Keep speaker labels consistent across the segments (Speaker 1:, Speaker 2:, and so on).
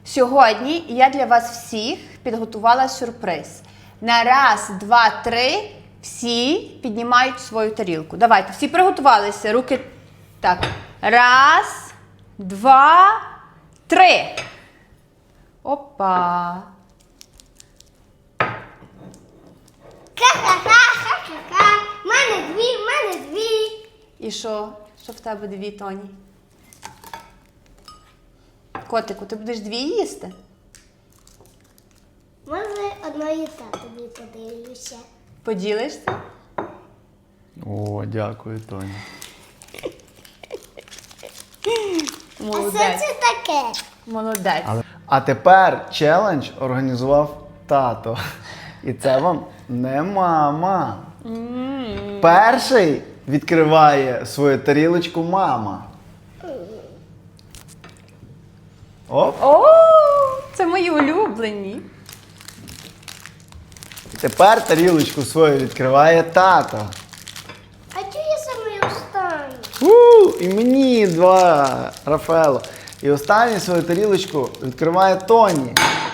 Speaker 1: Сьогодні я для вас всіх підготувала сюрприз. На раз, два, три всі піднімають свою тарілку. Давайте, всі приготувалися. Руки так. Раз, два, три. Опа.
Speaker 2: Ха-ха-ха-ха-ха-ха. Мене дві.
Speaker 1: І що? Що в тебе дві, Тоні? Котику, ти будеш дві їсти?
Speaker 2: Може, одної татові подивлюся.
Speaker 1: Поділишся?
Speaker 3: О, дякую, Тоні.
Speaker 2: А
Speaker 1: Молодець.
Speaker 2: що це таке?
Speaker 1: Молодець.
Speaker 3: А тепер челендж організував тато. І це вам не мама. Перший відкриває свою тарілочку мама. Оп.
Speaker 1: О, це мої улюблені.
Speaker 3: Тепер тарілочку свою відкриває тато.
Speaker 2: А чого я саме останню?
Speaker 3: І мені два, Рафаело. І останню свою тарілочку відкриває Тоні.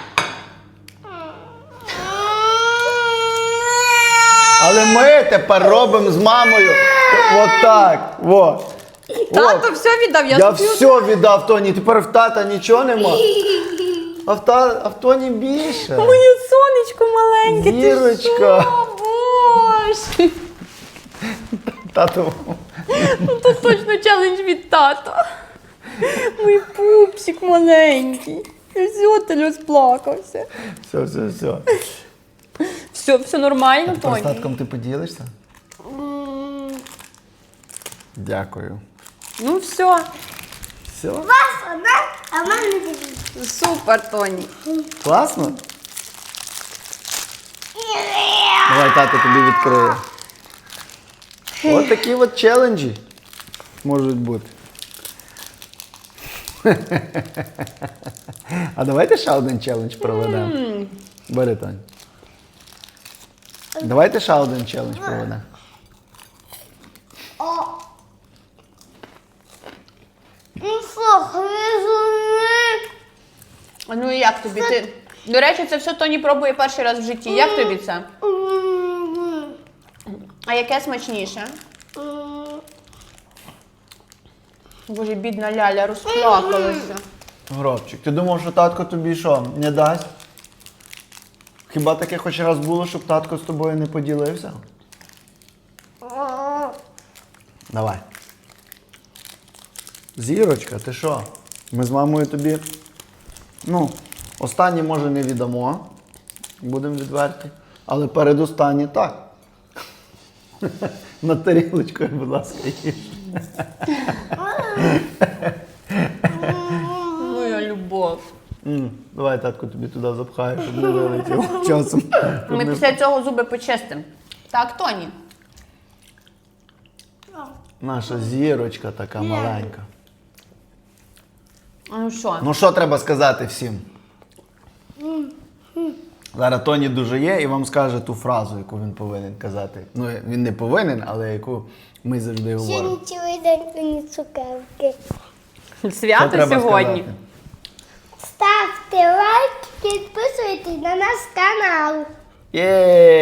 Speaker 3: Але ми тепер робимо з мамою отак. Во.
Speaker 1: Тато все віддав,
Speaker 3: Я все віддав Тоні, тепер в тата нічого нема. А в Тоні більше.
Speaker 1: Моє сонечко маленьке,
Speaker 3: Зірочка.
Speaker 1: ти що? Боже.
Speaker 3: Тато.
Speaker 1: Ну то точно челендж від тата. Мій пупсик маленький. Все, ти розплакався.
Speaker 3: Все.
Speaker 1: Все нормально,
Speaker 3: Тепер з
Speaker 1: Тоні?
Speaker 3: татком ти поділишся? Дякую.
Speaker 1: Ну все,
Speaker 3: Все?
Speaker 2: У вас одна, а в мене дві.
Speaker 1: супер, Тоні.
Speaker 3: Класно? Давай тато тобі відкриє. Ось такі от челенджі можуть бути. А давайте ще один челендж проведемо. Бери, Тонь. Давайте ще один челендж проведемо.
Speaker 2: О. Ну що, гризуни?
Speaker 1: А ну і як тобі? До речі, це все Тоні пробує перший раз в житті. Як тобі це? А яке смачніше? Боже, бідна Ляля розплакалася.
Speaker 3: Гробчик, ти думав, що татко тобі що, не дасть? Хіба таке хоч раз було, щоб татко з тобою не поділився? Давай. Зірочка, ти що? Ми з мамою тобі, останні, може, не віддамо, будемо відверті, але передостанні так. На тарілочкою, будь ласка, їж.
Speaker 1: Моя любов.
Speaker 3: Давай, татко, тобі туди запхаю, щоб не вилетів часом.
Speaker 1: Ми після цього зуби почистимо. Так, Тоні?
Speaker 3: Наша зірочка така маленька.
Speaker 1: А ну що?
Speaker 3: Ну що треба сказати всім? Зараз Тоні дуже є і вам скаже ту фразу, яку він повинен казати. Ну, він не повинен, але яку ми завжди говоримо.
Speaker 2: Сьогодні цілий день мені цукерки.
Speaker 3: Що
Speaker 1: Свято
Speaker 3: треба
Speaker 1: сьогодні.
Speaker 3: сказати?
Speaker 2: Ставте лайк, підписуйтесь на наш канал.
Speaker 3: Є!